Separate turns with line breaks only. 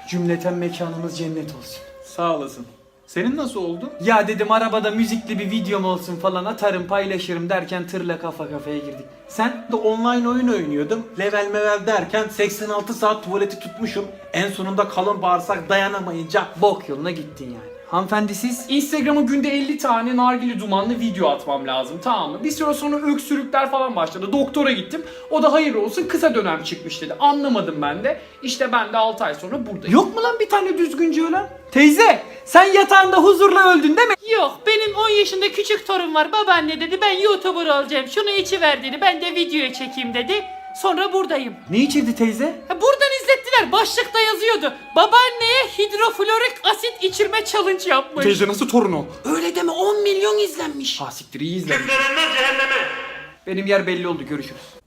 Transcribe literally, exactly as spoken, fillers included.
Cümleten mekanımız cennet olsun.
Sağ olasın. Senin nasıl oldu?
Ya dedim arabada müzikli bir videom olsun falan, atarım paylaşırım derken tırla kafa kafaya girdik. Sen?
De online oyun oynuyordum. Level mevel derken seksen altı saat tuvaleti tutmuşum. En sonunda kalın bağırsak dayanamayınca
Bok yoluna gittin yani. Hanımefendi siz?
Instagram'a günde elli tane nargile dumanlı video atmam lazım, tamam mı? Bir süre sonra öksürükler falan başladı. Doktora gittim. O da hayır olsun kısa dönem çıkmış dedi. Anlamadım ben de. İşte ben de altı ay sonra buradayım.
Yok mu lan bir tane düzgünce ölen? Teyze sen yatağında huzurla öldün değil mi?
Yok, benim on yaşında küçük torun var. Babaanne dedi ben YouTuber olacağım. Şunu içiver dedi. Ben de videoya çekeyim dedi. Sonra buradayım.
Ne içirdi teyze?
Ha, buradan izlettiler. Başlıkta yazıyordu. Babaanneye hidroflorik asit içirme challenge yapmış.
teyze nasıl torun o?
Öyle deme, on milyon izlenmiş.
Ha siktir, iyi izlemiş. Benim yer belli oldu, görüşürüz.